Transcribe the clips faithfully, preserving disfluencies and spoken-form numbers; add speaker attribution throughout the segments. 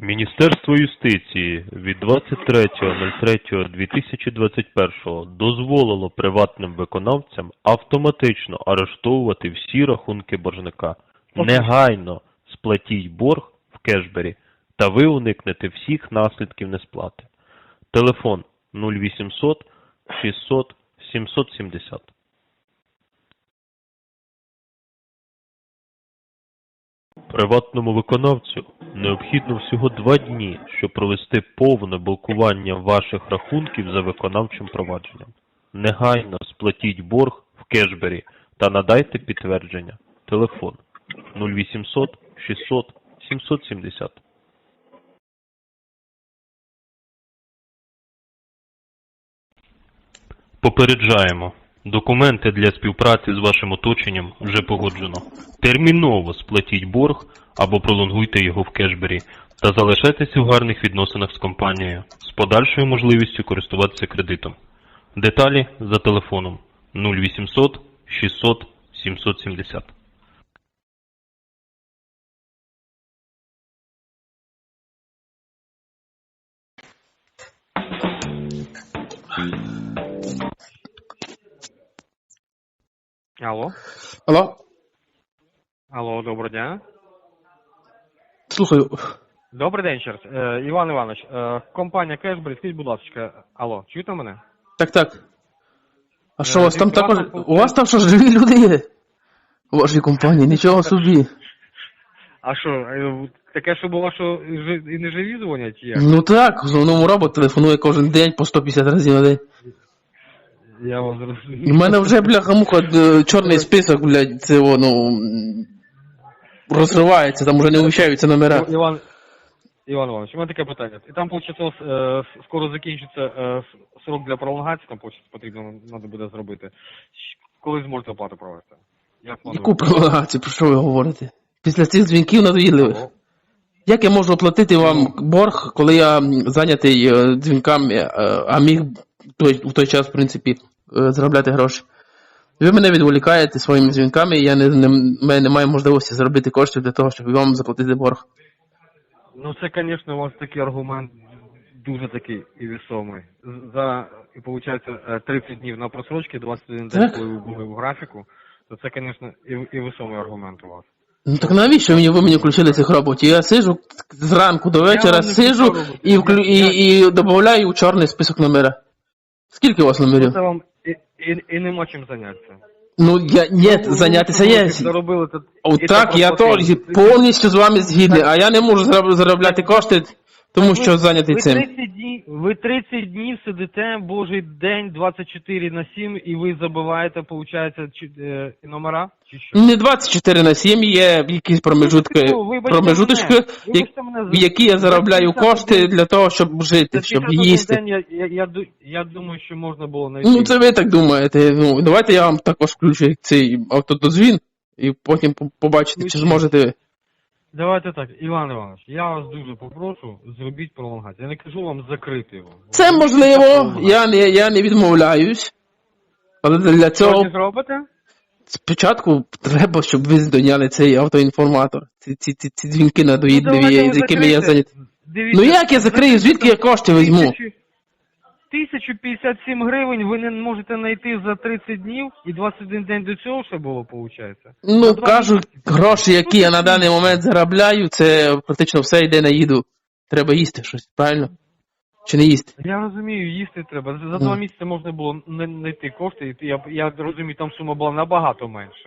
Speaker 1: Міністерство юстиції від двадцять третього дві тисячі двадцять першого дозволило приватним виконавцям автоматично арештовувати всі рахунки боржника. Негайно сплатіть борг в кешбері, та ви уникнете всіх наслідків несплати. Телефон нуль вісімсот шістсот сімсот сімдесят. Приватному виконавцю необхідно всього два дні, щоб провести повне блокування ваших рахунків за виконавчим провадженням. Негайно сплатіть борг в кешбері та надайте підтвердження. Телефон нуль вісімсот шістсот сімсот сімдесят. Попереджаємо. Документи для співпраці з вашим оточенням вже погоджено. Терміново сплатіть борг або пролонгуйте його в кешбері та залишайтеся в гарних відносинах з компанією з подальшою можливістю користуватися кредитом. Деталі за телефоном нуль вісімсот шістсот сімсот сімдесят.
Speaker 2: Алло.
Speaker 3: Алло?
Speaker 2: Алло, доброго дня.
Speaker 3: Слухаю.
Speaker 2: Добрий день ще раз. Е, Іван Іванович, е, компанія Кешбері, скажіть, будь ласка, алло, чуєте мене?
Speaker 3: Так, так. А що,
Speaker 2: Е,
Speaker 3: у вас там
Speaker 2: дивіться,
Speaker 3: також...
Speaker 2: вас там
Speaker 3: У вас там що, живі люди є? У вашій компанії, нічого собі.
Speaker 2: А що, е, таке, що було, що жи- і не живі дзвонять, чи як?
Speaker 3: Ну так, в основному робот телефонує кожен день по сто п'ятдесят разів на день.
Speaker 2: Я вас зрозумів.
Speaker 3: І в мене вже, бляха-муха, е, чорний список, блядь, це воно м, розривається, там вже не вміщаються номера.
Speaker 2: Іван, Іван Іванович, у мене таке питання. І там, виходить, е, скоро закінчиться е, срок для пролонгації, там виходить, потрібно, треба буде зробити. Щ- Коли зможете оплату провести? Як плануєте?
Speaker 3: Яку пролонгацію, про що ви говорите? Після цих дзвінків надоїдливих.
Speaker 2: Алло.
Speaker 3: Як я можу оплатити вам борг, коли я м, зайнятий е, дзвінками, е, а міг той, в той час, в принципі, е, заробляти гроші? Ви мене відволікаєте своїми дзвінками, і я не, не, в мене немає можливості заробити коштів для того, щоб вам заплатити борг.
Speaker 2: Ну, це, звісно, у вас такий аргумент дуже такий і весомий. З- За, і виходить, тридцять днів на просрочки, двадцять один день,
Speaker 3: Так.
Speaker 2: коли ви були в графіку, то це, звісно, і, і весомий аргумент у вас.
Speaker 3: Ну так навіщо мені ви мені включили цих роботів? Я сижу зранку до вечора,
Speaker 2: вам не
Speaker 3: сижу
Speaker 2: включав роботів.
Speaker 3: і, вклю, і, і додаю у чорний список номера. Скільки у вас номерів?
Speaker 2: Це вам і, і, і нема чим зайнятися.
Speaker 3: Ну, я, ні,
Speaker 2: Ну,
Speaker 3: зайнятися
Speaker 2: ви
Speaker 3: є.
Speaker 2: заробили, то,
Speaker 3: О,
Speaker 2: і
Speaker 3: так,
Speaker 2: це
Speaker 3: я
Speaker 2: проплатили.
Speaker 3: теж повністю з вами згідний, а я не можу зароб- заробляти кошти, тому що зайнятий
Speaker 2: ви
Speaker 3: цим.
Speaker 2: тридцять днів, ви тридцять днів сидите, божий день, двадцять чотири на сім, і ви забиваєте, виходить, чи, е, номера? Чи що?
Speaker 3: Не двадцять чотири на сім, є якісь промежутки,
Speaker 2: Ну, вибачте
Speaker 3: промежуточки,
Speaker 2: мене,
Speaker 3: як-
Speaker 2: вибачте мене,
Speaker 3: в які я заробляю
Speaker 2: за п'ятдесят
Speaker 3: кошти
Speaker 2: один
Speaker 3: для того, щоб жити,
Speaker 2: За
Speaker 3: щоб
Speaker 2: п'ятдесят один
Speaker 3: їсти.
Speaker 2: день я, я, я, ду- я думаю, що можна було знайти.
Speaker 3: Ну, це ви так думаєте. Ну, давайте я вам також включу цей автодозвін, і потім по- побачите, чи зможете ви.
Speaker 2: Давайте так, Іван Іванович, я вас дуже попрошу, зробіть пролонгацію. Я не кажу вам закрити його.
Speaker 3: Це можливо, я не, я не відмовляюсь, але для цього
Speaker 2: Сьогодні зробите?
Speaker 3: спочатку треба, щоб ви здоняли цей автоінформатор, ці, ці, ці, ці дзвінки
Speaker 2: Ну,
Speaker 3: надоїдливі,
Speaker 2: давайте ви
Speaker 3: з якими я
Speaker 2: закрийте.
Speaker 3: зайнятий.
Speaker 2: Дивіться,
Speaker 3: Ну як я закрию, звідки я кошти візьму?
Speaker 2: Тисячу- тисячу п'ятдесят сім гривень ви не можете знайти за тридцять днів, і двадцять один день до цього ще було, виходить?
Speaker 3: Ну, кажу, гроші, які я на даний момент заробляю, це практично все йде на їду. Треба їсти щось, правильно? Чи не їсти?
Speaker 2: Я розумію, їсти треба. За за два місяці можна було не знайти кошти, і я, я розумію, там сума була набагато менша.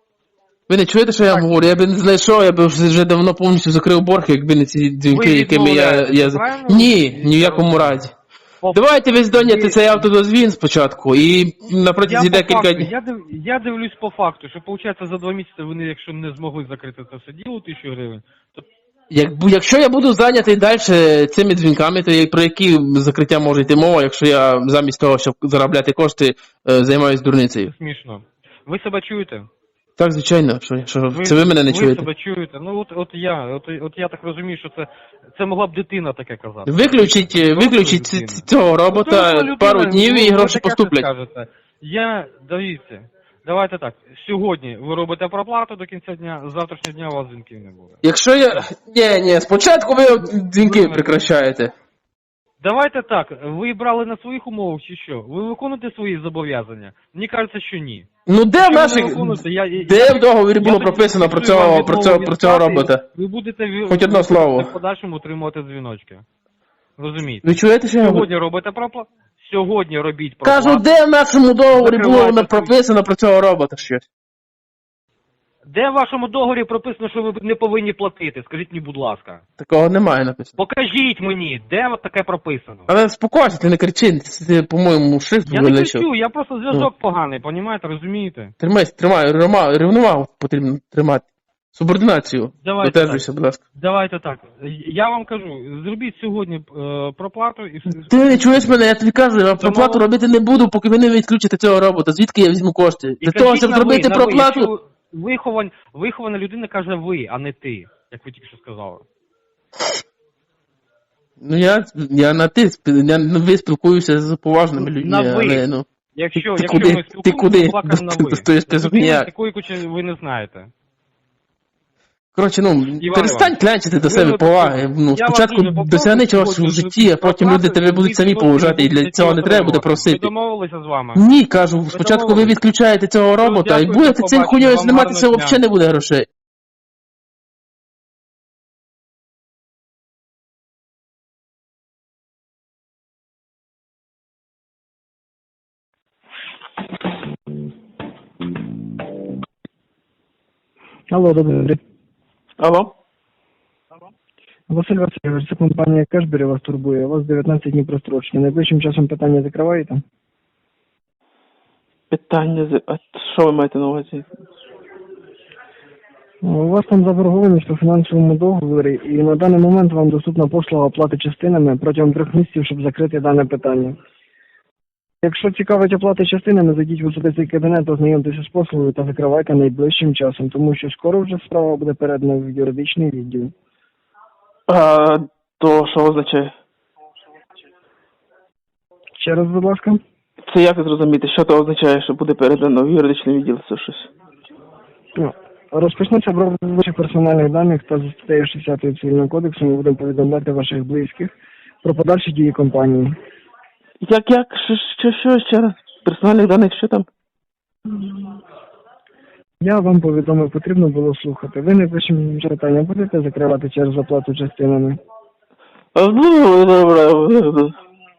Speaker 3: Ви не чуєте, що я вам говорю? Я б не знайшов, я б вже давно повністю закрив борг, якби не ці дзвінки,
Speaker 2: Ви
Speaker 3: якими я...
Speaker 2: відмовляєтесь,
Speaker 3: я...
Speaker 2: правильно?
Speaker 3: Ні, ні в якому разі.
Speaker 2: О,
Speaker 3: Давайте ви здоняте
Speaker 2: ви-
Speaker 3: цей автодозвін спочатку, і на
Speaker 2: Я,
Speaker 3: протязі
Speaker 2: по
Speaker 3: декілька
Speaker 2: факту,
Speaker 3: днів.
Speaker 2: я, див, я дивлюсь по факту, що виходить за два місяці вони, якщо не змогли закрити це все діло, тисячу гривень, то
Speaker 3: Як, якщо я буду зайнятий далі цими дзвінками, то я- про які закриття може йти мова, якщо я замість того, щоб заробляти кошти, е, займаюся дурницею?
Speaker 2: смішно. Ви себе чуєте?
Speaker 3: Так, звичайно, що, що це ви мене не
Speaker 2: ви
Speaker 3: чуєте.
Speaker 2: себе чуєте. Ну от, от я, от, от я так розумію, що це, це могла б дитина таке казати.
Speaker 3: Виключіть, е, виключіть ці- ці- цього робота
Speaker 2: Ну, людина,
Speaker 3: пару днів
Speaker 2: ну,
Speaker 3: і
Speaker 2: ви
Speaker 3: гроші
Speaker 2: таке
Speaker 3: поступлять.
Speaker 2: скажете. Я, дивіться, Давайте так. Сьогодні ви робите проплату до кінця дня, з завтрашнього дня у вас дзвінків не буде.
Speaker 3: Якщо я... Ні, ні, спочатку ви дзвінки прекращаєте.
Speaker 2: Давайте так, ви брали на своїх умовах чи що? Ви виконуєте свої зобов'язання? Мені кажеться, що ні.
Speaker 3: Ну де в
Speaker 2: Якщо ви
Speaker 3: наших...
Speaker 2: не виконуєте, я- я-
Speaker 3: Де в договорі було
Speaker 2: Я тоді
Speaker 3: прописано про
Speaker 2: фіксую вам
Speaker 3: цього, про
Speaker 2: відмову
Speaker 3: цього,
Speaker 2: від
Speaker 3: про цього
Speaker 2: сплати,
Speaker 3: робота?
Speaker 2: Ви будете в
Speaker 3: Хоч одне слово.
Speaker 2: в подальшому отримувати дзвіночки. Розумієте?
Speaker 3: Ви чуєте, що я говорю?
Speaker 2: Сьогодні робите проплату, сьогодні робіть проплату.
Speaker 3: Кажу, де в нашому договорі було
Speaker 2: Закривайте
Speaker 3: воно прописано про цього робота щось?
Speaker 2: Де в вашому договорі прописано, що ви не повинні платити? Скажіть мені, будь ласка.
Speaker 3: Такого немає написано.
Speaker 2: Покажіть мені, де от таке прописано.
Speaker 3: Але спокойся, ти не кричи, ти, по-моєму, шрифт
Speaker 2: Я не
Speaker 3: вилечив.
Speaker 2: кричу, я просто зв'язок поганий, понімаєте, розумієте?
Speaker 3: Тримайся, тримай, рівновагу, рівновагу потрібно тримати. Субординацію.
Speaker 2: Давайте
Speaker 3: Додержуйся, будь ласка.
Speaker 2: Давайте так. Я вам кажу, зробіть сьогодні е, проплату і все.
Speaker 3: Ти не чуєш мене, я тобі кажу, я проплату
Speaker 2: Тому-
Speaker 3: робити не буду, поки ви не відключите цього робота. Звідки я візьму кошти?
Speaker 2: І
Speaker 3: Для того,
Speaker 2: кажіть
Speaker 3: щоб
Speaker 2: на
Speaker 3: зробити
Speaker 2: ви, на ви.
Speaker 3: проплату...
Speaker 2: Якщо Вихован, вихована людина каже ви, а не ти, як ви тільки що сказали.
Speaker 3: Ну я, я на ти, спі- я на ви спілкуюся з поважними людьми,
Speaker 2: На ви.
Speaker 3: але ну...
Speaker 2: Якщо,
Speaker 3: Ти
Speaker 2: якщо
Speaker 3: куди?
Speaker 2: ми
Speaker 3: Ти
Speaker 2: спілкуємося,
Speaker 3: куди?
Speaker 2: то плакаємо на
Speaker 3: Ти
Speaker 2: ви.
Speaker 3: достаєш список
Speaker 2: Людини
Speaker 3: ніяк.
Speaker 2: такої кучі ви не знаєте.
Speaker 3: Коротше, ну, перестань
Speaker 2: Іванович,
Speaker 3: клянчити до
Speaker 2: ви
Speaker 3: себе
Speaker 2: от-
Speaker 3: поваги. Ну,
Speaker 2: я вас
Speaker 3: спочатку
Speaker 2: дуже попрошу
Speaker 3: досягни чогось
Speaker 2: сьогодні
Speaker 3: в житті, а потім
Speaker 2: проплату,
Speaker 3: люди тебе будуть самі
Speaker 2: відсотки
Speaker 3: поважати, і для
Speaker 2: будете
Speaker 3: цього не треба буде
Speaker 2: отримувати.
Speaker 3: просити.
Speaker 2: Ми домовилися з вами.
Speaker 3: Ні, кажу, спочатку ви
Speaker 2: домовились.
Speaker 3: відключаєте цього робота, і
Speaker 2: дякую,
Speaker 3: будете
Speaker 2: до
Speaker 3: цим
Speaker 2: побачення,
Speaker 3: хуйньою
Speaker 2: вам
Speaker 3: зніматися,
Speaker 2: гарного дня.
Speaker 3: взагалі не буде грошей.
Speaker 4: Алло, добрий день.
Speaker 3: Алло?
Speaker 4: Василь Васильович, це компанія Кешбері вас турбує. У вас дев'ятнадцять днів прострочення. Найближчим часом питання закриваєте?
Speaker 3: Питання, з- а що ви маєте на увазі?
Speaker 4: У вас там заборгованість по фінансовому договорі, і на даний момент вам доступна послуга оплати частинами протягом трьох місяців, щоб закрити дане питання. Якщо цікавить оплати частинами, зайдіть в особистий кабінет, ознайомтеся з послугою та закривайте найближчим часом, тому що скоро вже справа буде передана в юридичний відділ.
Speaker 3: А, то що означає?
Speaker 4: Ще раз, будь ласка.
Speaker 3: Це як зрозуміти, що то означає, що буде передано в юридичний відділ, це щось?
Speaker 4: Ну, розпочнеться обробка ваших персональних даних та за статтею шістдесят Цивільного кодексу ми будемо повідомляти ваших близьких про подальші дії компанії.
Speaker 3: Як, як, що, що, що ще раз? Персональних даних, що там?
Speaker 4: Я вам повідомив, потрібно було слухати. Ви найближчим питання будете закривати через оплату частинами?
Speaker 3: А, ну, добре.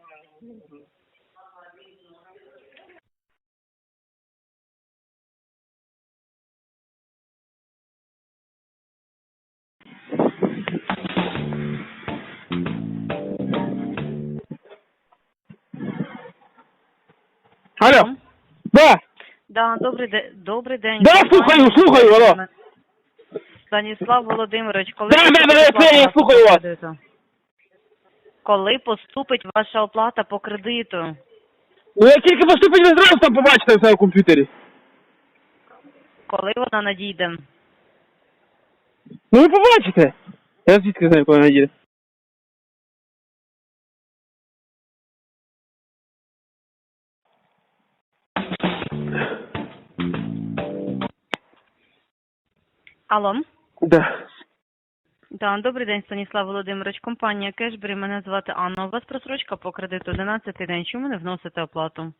Speaker 3: Алло. Да.
Speaker 5: Да, добрий день. Добрий день.
Speaker 3: Да, слухаю, слухаю, алло.
Speaker 5: Станіслав Володимирович, коли
Speaker 3: Да, да,
Speaker 5: поступить
Speaker 3: да,
Speaker 5: ваша
Speaker 3: я слухаю
Speaker 5: оплата
Speaker 3: вас.
Speaker 5: по кредиту? Коли поступить ваша оплата по кредиту?
Speaker 3: Ну, як тільки поступить, ви зразу там побачите все в комп'ютері.
Speaker 5: Коли вона надійде?
Speaker 3: Ну, ви побачите. Я звідки знаю, коли вона їде.
Speaker 5: Алло?
Speaker 3: Да.
Speaker 5: Да, добрий день, Станіслав Володимирович. Компанія Кешбері, мене звати Анна. У вас просрочка по кредиту одинадцятий день. Чому не вносите оплату?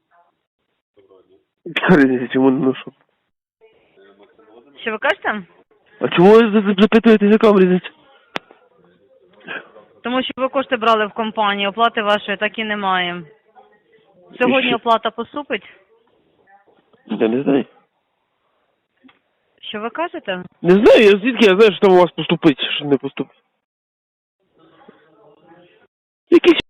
Speaker 3: Чому не ношу?
Speaker 5: Що ви кажете?
Speaker 3: А чому ви запитуєте, яка різниця?
Speaker 5: Тому що ви кошти брали в компанії, оплати вашої так і немає. Сьогодні оплата поступить?
Speaker 3: Я не знаю.
Speaker 5: Що ви кажете?
Speaker 3: Не знаю, я звідки я знаю, що там у вас поступить, що не поступить. Якісь...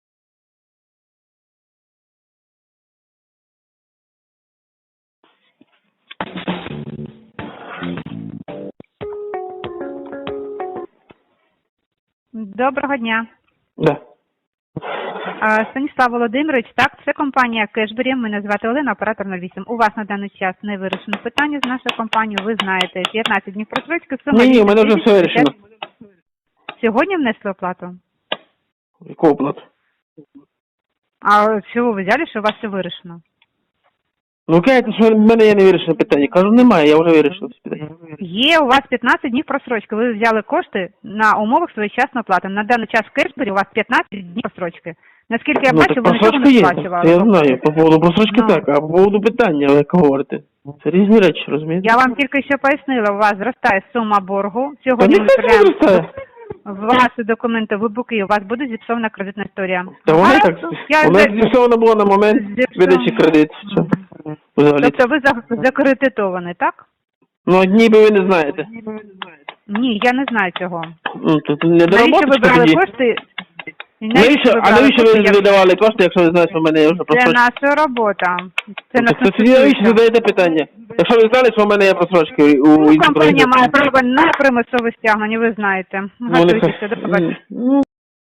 Speaker 6: Доброго дня.
Speaker 3: Да.
Speaker 6: А, Станіслав Володимирович, так, це компанія Кешбері, мене звати Олена, оператор нуль вісім. У вас на даний час не вирішено питання з нашою компанією, ви знаєте, п'ятнадцять днів просрочки.
Speaker 3: Ні, ні, у мене вже все вирішено.
Speaker 6: Сьогодні внесли оплату?
Speaker 3: Яку оплату?
Speaker 6: А чого ви взяли, що у вас все вирішено?
Speaker 3: Ну, кажете, що в мене є невирішене питання. Кажу, немає, я вже вирішив це питання.
Speaker 6: Є у вас п'ятнадцять днів просрочки. Ви взяли кошти на умовах своєчасної оплати. На даний час в Кешбері у вас п'ятнадцять днів просрочки. Наскільки я
Speaker 3: Ну,
Speaker 6: бачу,
Speaker 3: так
Speaker 6: ви нічого
Speaker 3: просрочка
Speaker 6: не
Speaker 3: є,
Speaker 6: сплачували.
Speaker 3: це я знаю. По поводу просрочки
Speaker 6: Ну.
Speaker 3: так, а по поводу питання, ви як говорите. Це різні речі, розумієте?
Speaker 6: Я вам тільки що пояснила, у вас зростає сума боргу.
Speaker 3: Та
Speaker 6: Сьогодні ми
Speaker 3: ніхто не
Speaker 6: відправляємо
Speaker 3: зростає.
Speaker 6: ваші документи в БУКи, у вас буде зіпсована кредитна історія.
Speaker 3: Та вона і
Speaker 6: Гаразд,
Speaker 3: так,
Speaker 6: я
Speaker 3: вона
Speaker 6: вже-
Speaker 3: зіпсована була на момент
Speaker 6: Зіпсована.
Speaker 3: видачі кредиту. Все. Взагалі.
Speaker 6: Тобто ви за- закредитований, так?
Speaker 3: Ну, ніби ви не знаєте.
Speaker 6: Ні, я не знаю цього.
Speaker 3: Ну, то, то не
Speaker 6: Навіщо ви
Speaker 3: доработочка
Speaker 6: брали
Speaker 3: тоді.
Speaker 6: кошти?
Speaker 3: Навіщо, а
Speaker 6: брали
Speaker 3: навіщо
Speaker 6: кошти,
Speaker 3: ви
Speaker 6: як-
Speaker 3: видавали кошти, якщо ви знаєте, що в мене є вже
Speaker 6: Це
Speaker 3: просрочка?
Speaker 6: наша робота. Це
Speaker 3: Ну,
Speaker 6: нас
Speaker 3: так це тоді навіщо
Speaker 6: стосується.
Speaker 3: задаєте питання? Якщо ви знали, що в мене є просрочки у
Speaker 6: Ну,
Speaker 3: іншому
Speaker 6: компанія
Speaker 3: проєкті.
Speaker 6: має право на примусове стягнення, ви знаєте.
Speaker 3: Ну,
Speaker 6: Готуйтеся,
Speaker 3: нехай.
Speaker 6: до побачення.
Speaker 3: Ну,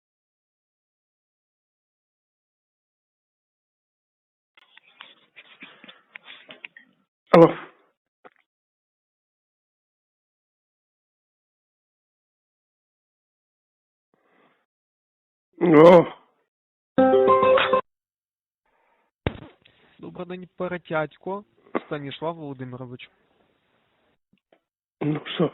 Speaker 3: Алло. О,
Speaker 7: Добрий день, Перетятько Станіслав Володимирович.
Speaker 3: ну що?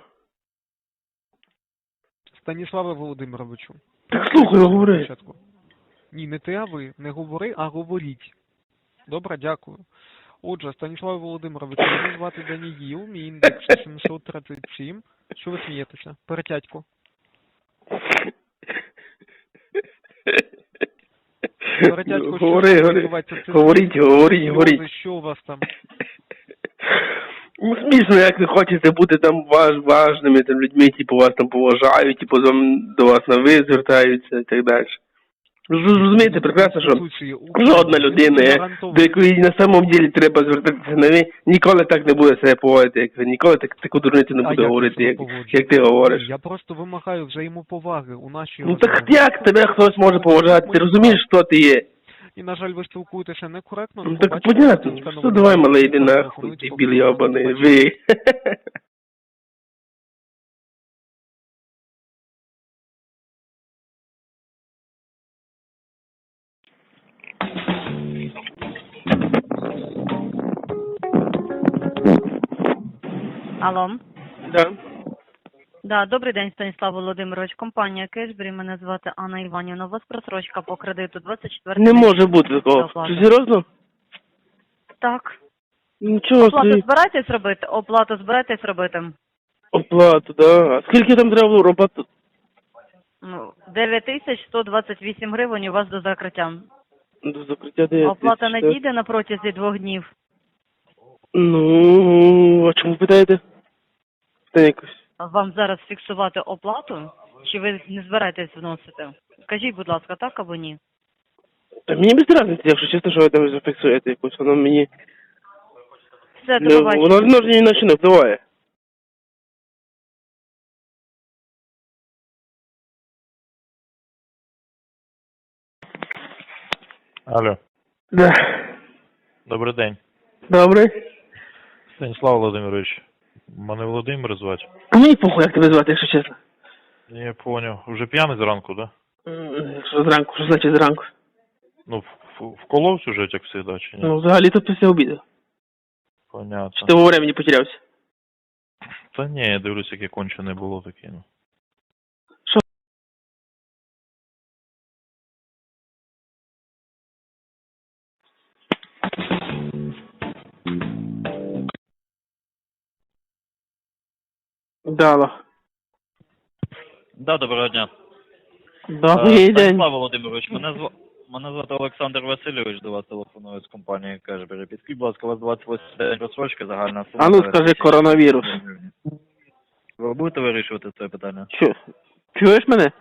Speaker 7: Станіславе Володимировичу.
Speaker 3: Так слухай, говори.
Speaker 7: Спочатку. Ні, не ти, а ви. Не говори, а говоріть. Добре, дякую. Отже, Станіславе Володимировичу, мене звати Даніїл, мій індекс сімсот тридцять сім. Що ви смієтеся? Перетятько. Перетятько, що
Speaker 3: Говори,
Speaker 7: там
Speaker 3: говори.
Speaker 7: відбувається? Це
Speaker 3: Говоріть,
Speaker 7: сльози,
Speaker 3: говоріть,
Speaker 7: сльози,
Speaker 3: говоріть.
Speaker 7: Що у вас там?
Speaker 3: Ну, смішно, як не хочете бути там важ, важними там людьми, типу вас там поважають, типу з вами- до вас на ви звертаються і так далі. Ви ж розумієте прекрасно, що
Speaker 7: Конституції України
Speaker 3: жодна людина, є,
Speaker 7: гарантовано.
Speaker 3: до якої на самом ділі треба звертатися на ви, ніколи так не буде себе поводити, як ви, ніколи так, таку дурницю не
Speaker 7: А
Speaker 3: буде
Speaker 7: як
Speaker 3: говорити,
Speaker 7: я
Speaker 3: як,
Speaker 7: себе поводжу?
Speaker 3: як ти говориш.
Speaker 7: Я просто вимагаю взаємоповаги у нашій
Speaker 3: Ну так
Speaker 7: розмові.
Speaker 3: як тебе хтось може поважати? Ти розумієш, хто ти є?
Speaker 7: І, на жаль, ви спілкуєтеся некоректно.
Speaker 3: Ну
Speaker 7: не
Speaker 3: так
Speaker 7: побачите,
Speaker 3: понятно.
Speaker 7: що
Speaker 3: Що давай, малий, йди нахуй,
Speaker 7: телефонують,
Speaker 3: ти
Speaker 7: поки
Speaker 3: білий
Speaker 7: вас
Speaker 3: обаний,
Speaker 7: побачите.
Speaker 3: ви.
Speaker 5: Алло.
Speaker 3: Да.
Speaker 5: Да, добрий день, Станіслав Володимирович. Компанія Кешбері, мене звати Анна Іванівна. У вас просрочка по кредиту двадцять четвертого.
Speaker 3: Не може бути такого. Ти серйозно?
Speaker 5: Так.
Speaker 3: Нічого
Speaker 5: Оплату
Speaker 3: собі.
Speaker 5: збираєтесь робити? Оплату збираєтесь робити?
Speaker 3: Оплату, да. А скільки там треба було робити?
Speaker 5: Ну, дев'ять тисяч сто двадцять вісім гривень у вас до закриття.
Speaker 3: До закриття дев'ять
Speaker 5: Оплата
Speaker 3: тисяч,
Speaker 5: не
Speaker 3: так?
Speaker 5: дійде на протязі двох днів.
Speaker 3: Ну, а чому питаєте? Та якось.
Speaker 5: Вам зараз фіксувати оплату? Чи ви не збираєтесь вносити? Скажіть, будь ласка, так або ні?
Speaker 3: Та мені без разниці, якщо чесно, що ви там зафіксуєте якось, воно мені...
Speaker 5: Все, до
Speaker 3: Не,
Speaker 5: побачення.
Speaker 3: воно, воно ж ні на що не впливає.
Speaker 1: Алло,
Speaker 3: Да.
Speaker 1: добрий день.
Speaker 3: Добре.
Speaker 1: Станіслав Володимирович, мене Володимир звати.
Speaker 3: Мені похуй, як тебе звати, якщо чесно.
Speaker 1: Я поняв. Вже п'яний зранку, да?
Speaker 3: М, Що зранку, що значить зранку?
Speaker 1: Ну, в- в- вколовся вже, як завжди, чи ні?
Speaker 3: Ну, взагалі тут після обіду. Чи
Speaker 1: Понятно.
Speaker 3: ти во времени потерявся?
Speaker 1: Та ні, я дивлюсь, яке кончене було таке, ну.
Speaker 3: Що? Дало.
Speaker 8: Да, доброго дня.
Speaker 3: Добрий
Speaker 8: Е,
Speaker 3: день.
Speaker 8: Станіслав Володимирович, мене зва... мене звати Олександр Васильович, до вас телефоную з компанії Кешбері. Підкажіть, будь ласка, у вас двадцять восьмий день розсрочки, загальна сума.
Speaker 3: А ну скажи коронавірус.
Speaker 8: Ви будете вирішувати це питання?
Speaker 3: Чу... Чуєш мене?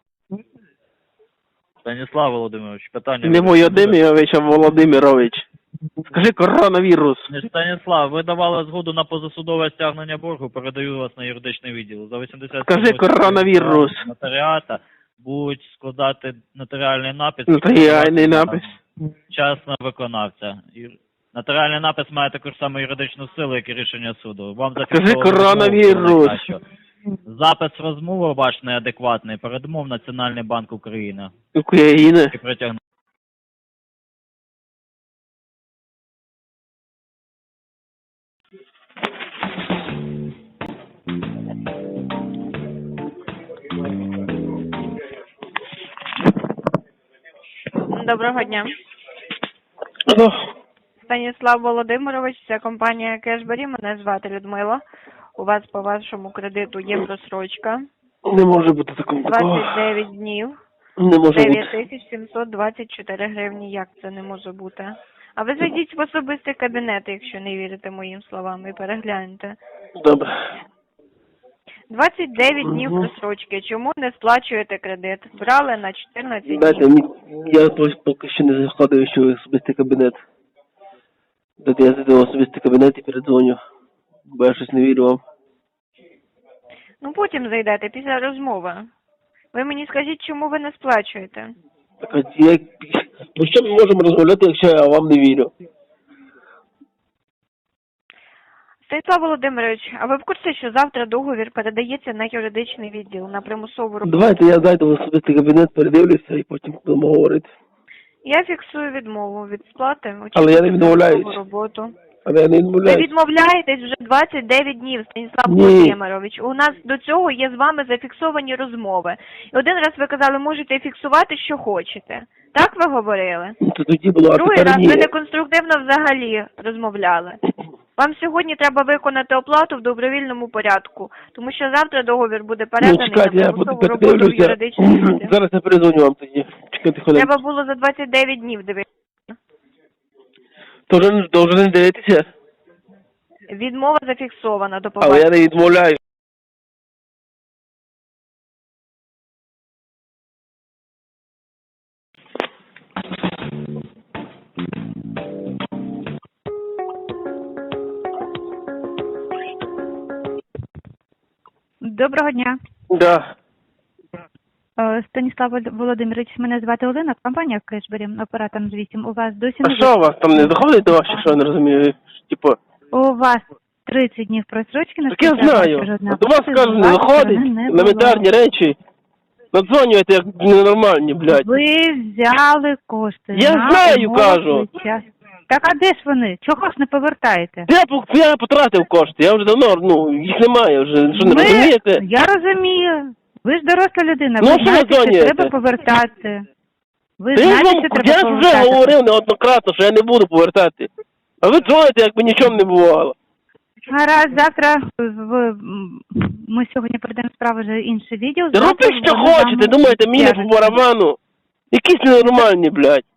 Speaker 8: Станіслав Володимирович, питання...
Speaker 3: Не
Speaker 8: вирішуєте?
Speaker 3: Володимирович, а Володимирович. Скажи коронавірус.
Speaker 8: Не Станіслав, ви давали згоду на позасудове стягнення боргу, передаю вас на юридичний відділ. За вісімдесят
Speaker 3: Скажи коронавірус.
Speaker 8: нотаріата будуть складати нотаріальний напис.
Speaker 3: Нотаріальний напис.
Speaker 8: Частного виконавця. І нотаріальний напис має таку ж саму юридичну силу, як і рішення суду. Вам
Speaker 3: Скажи
Speaker 8: зафіксовано
Speaker 3: коронавірус.
Speaker 8: розмову, що запис розмови ваш неадекватний, передумов Національний банк України.
Speaker 3: України.
Speaker 8: І притягнув.
Speaker 5: Доброго дня. Станіслав Володимирович, це компанія Кешбері, мене звати Людмила. У вас по вашому кредиту є просрочка.
Speaker 3: Не може бути такого.
Speaker 5: двадцять дев'ять днів,
Speaker 3: Не може
Speaker 5: дев'ять
Speaker 3: бути.
Speaker 5: тисяч сімсот двадцять чотири гривні. Як це не може бути? А ви зайдіть в особистий кабінет, якщо не вірите моїм словам, і перегляньте.
Speaker 3: Добре.
Speaker 5: двадцять дев'ять днів
Speaker 3: Мгм.
Speaker 5: просрочки. Чому не сплачуєте кредит? Брали на чотирнадцять
Speaker 3: Дайте,
Speaker 5: днів.
Speaker 3: мені- я ось поки що не заходив ще в особистий кабінет. Дайте я зайду в особистий кабінет і передзвоню. Бо я щось не вірю вам.
Speaker 5: Ну потім зайдете, після розмови. Ви мені скажіть, чому ви не сплачуєте?
Speaker 3: Так, а як... Про що ми можемо розмовляти, якщо я вам не вірю?
Speaker 5: Станіслав Володимирович, а ви в курсі, що завтра договір передається на юридичний відділ, на примусову роботу?
Speaker 3: Давайте я зайду в особистий кабінет, передивлюся і потім будемо говорити.
Speaker 5: Я фіксую відмову від сплати.
Speaker 3: Але я не
Speaker 5: очікуйте
Speaker 3: відмовляюсь.
Speaker 5: примусову роботу.
Speaker 3: Але я не
Speaker 5: Ви
Speaker 3: відмовляюсь.
Speaker 5: відмовляєтесь вже двадцять дев'ять днів, Станіслав
Speaker 3: Ні.
Speaker 5: Володимирович. У нас до цього є з вами зафіксовані розмови. І один раз ви казали, можете фіксувати, що хочете. Так ви говорили?
Speaker 3: Ну, то тоді було, а
Speaker 5: Другий
Speaker 3: тепер
Speaker 5: раз
Speaker 3: ні.
Speaker 5: ви неконструктивно взагалі розмовляли. Вам сьогодні треба виконати оплату в добровільному порядку, тому що завтра договір буде
Speaker 3: Ну,
Speaker 5: переданий
Speaker 3: чекайте,
Speaker 5: на
Speaker 3: я буду
Speaker 5: примусову роботу в
Speaker 3: передивлюся.
Speaker 5: юридичний відділ.
Speaker 3: Зараз я перезвоню вам тоді. Чекайте хвилинку.
Speaker 5: Треба було за двадцять дев'ять днів дивитися.
Speaker 3: То вже, то вже не дивитися.
Speaker 5: Відмова зафіксована. До
Speaker 3: Але
Speaker 5: побачення.
Speaker 3: я не відмовляю.
Speaker 6: Доброго дня.
Speaker 3: Да.
Speaker 6: Е, Станіслав Волод- Володимирович, мене звати Олена, компанія Кешбері, оператор з вісім. У вас досі
Speaker 3: А
Speaker 6: не
Speaker 3: що у вас там не доходить до вас, чи що я не розумію? Типу,
Speaker 6: У вас тридцять днів просрочки на
Speaker 3: так я
Speaker 6: списання
Speaker 3: знаю.
Speaker 6: вашого жодного
Speaker 3: До вас
Speaker 6: кошту,
Speaker 3: кажуть,
Speaker 6: з
Speaker 3: не
Speaker 6: вашої
Speaker 3: доходить.
Speaker 6: сторони не було.
Speaker 3: Елементарні речі. Надзвонюєте як ненормальні, блядь.
Speaker 6: Ви взяли кошти.
Speaker 3: Я
Speaker 6: на
Speaker 3: знаю,
Speaker 6: умовах
Speaker 3: кажу.
Speaker 6: час. Так а де ж вони? Чого ж не повертаєте?
Speaker 3: Я, по- я потратив кошти, я вже давно, ну, їх немає вже, що не
Speaker 6: Ви-
Speaker 3: розумієте?
Speaker 6: Я розумію. Ви ж доросла людина,
Speaker 3: Ну,
Speaker 6: ви
Speaker 3: що ви
Speaker 6: знаєте, що
Speaker 3: дзвонюєте?
Speaker 6: треба повертати. Ви
Speaker 3: Та я ж
Speaker 6: знаєте,
Speaker 3: вам,
Speaker 6: що треба
Speaker 3: я ж вже
Speaker 6: повертати.
Speaker 3: говорив неоднократно, що я не буду повертати. А ви дзвоните, як би нічого не бувало.
Speaker 6: Гаразд, завтра в, м, ми сьогодні передаємо справу вже інший відділ.
Speaker 3: Робіть, що хочете, думаєте, мені не по барабану. Якісь ненормальні, блядь.